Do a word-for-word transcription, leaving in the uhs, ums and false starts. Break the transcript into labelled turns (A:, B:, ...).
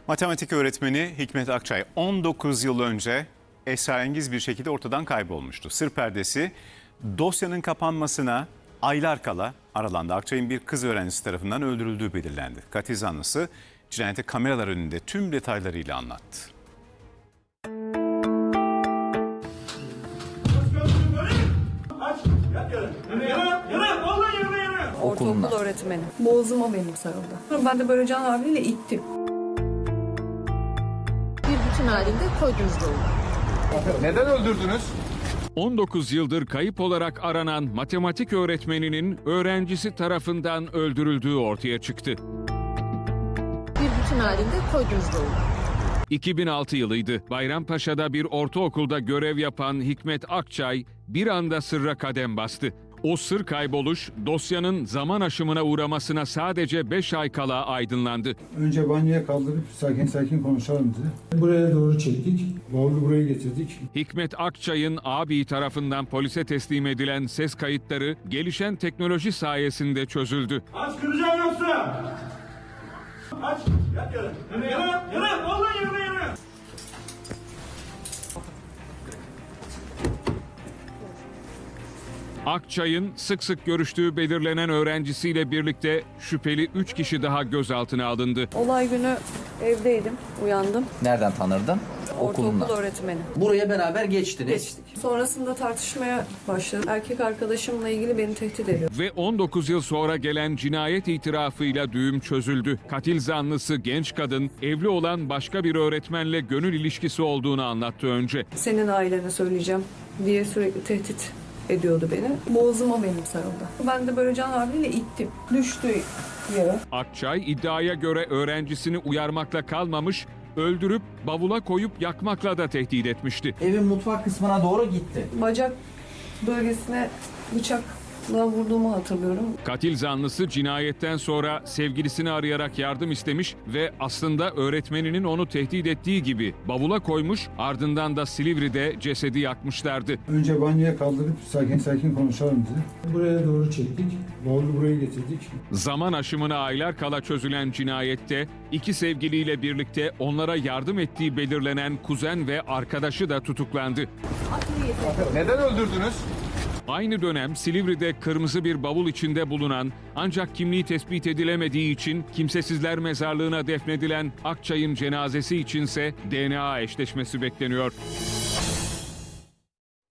A: Matematik öğretmeni Hikmet Akçay on dokuz yıl önce esrarengiz bir şekilde ortadan kaybolmuştu. Sır perdesi dosyanın kapanmasına aylar kala aralandı. Akçay'ın bir kız öğrencisi tarafından öldürüldüğü belirlendi. Katil zanlısı cinayeti kameralar önünde tüm detaylarıyla anlattı.
B: Ortaokul öğretmeni. Boğazıma benim sarıldı. Ben de böyle can havliyle ittim.
C: Bir bütün halinde koydunuz böyle.
D: Neden öldürdünüz?
E: on dokuz yıldır kayıp olarak aranan matematik öğretmeninin öğrencisi tarafından öldürüldüğü ortaya çıktı.
C: Bir bütün halinde koydunuz böyle.
E: iki bin altı yılıydı. Bayrampaşa'da bir ortaokulda görev yapan Hikmet Akçay bir anda sırra kadem bastı. O sır kayboluş dosyanın zaman aşımına uğramasına sadece beş ay kala aydınlandı.
F: Önce banyoya kaldırıp sakin sakin konuşalım dedi. Buraya doğru çektik. Bavulu buraya getirdik.
E: Hikmet Akçay'ın abi tarafından polise teslim edilen ses kayıtları gelişen teknoloji sayesinde çözüldü.
G: Aç, kıracağım yoksa! Aç! Yat yere! Yere! Yere! Vallahi yere yere!
E: Akçay'ın sık sık görüştüğü belirlenen öğrencisiyle birlikte şüpheli üç kişi daha gözaltına alındı.
B: Olay günü evdeydim, uyandım.
H: Nereden tanırdın? Okulundan.
B: Ortaokul öğretmeni.
H: Buraya beraber geçtiniz.
B: Geçtik. Sonrasında tartışmaya başladı. Erkek arkadaşımla ilgili beni tehdit ediyor.
E: Ve on dokuz yıl sonra gelen cinayet itirafıyla düğüm çözüldü. Katil zanlısı genç kadın evli olan başka bir öğretmenle gönül ilişkisi olduğunu anlattı önce.
B: Senin ailene söyleyeceğim diye sürekli tehdit ediyordu beni. Boğazıma benim sarıldı. Ben de böyle can havliyle ittim. Düştü yere.
E: Akçay iddiaya göre öğrencisini uyarmakla kalmamış, öldürüp bavula koyup yakmakla da tehdit etmişti.
H: Evin mutfak kısmına doğru gitti.
B: Bacak bölgesine bıçakla vurduğumu hatırlıyorum.
E: Katil zanlısı cinayetten sonra sevgilisini arayarak yardım istemiş ve aslında öğretmeninin onu tehdit ettiği gibi bavula koymuş, ardından da Silivri'de cesedi yakmışlardı.
F: Önce banyoya kaldırıp sakin sakin konuşalım dedi. Buraya doğru çektik. Bavulu buraya getirdik.
E: Zaman aşımına aylar kala çözülen cinayette iki sevgiliyle birlikte onlara yardım ettiği belirlenen kuzen ve arkadaşı da tutuklandı.
D: Neden öldürdünüz?
E: Aynı dönem Silivri'de kırmızı bir bavul içinde bulunan ancak kimliği tespit edilemediği için kimsesizler mezarlığına defnedilen Akçay'ın cenazesi içinse D N A eşleşmesi bekleniyor.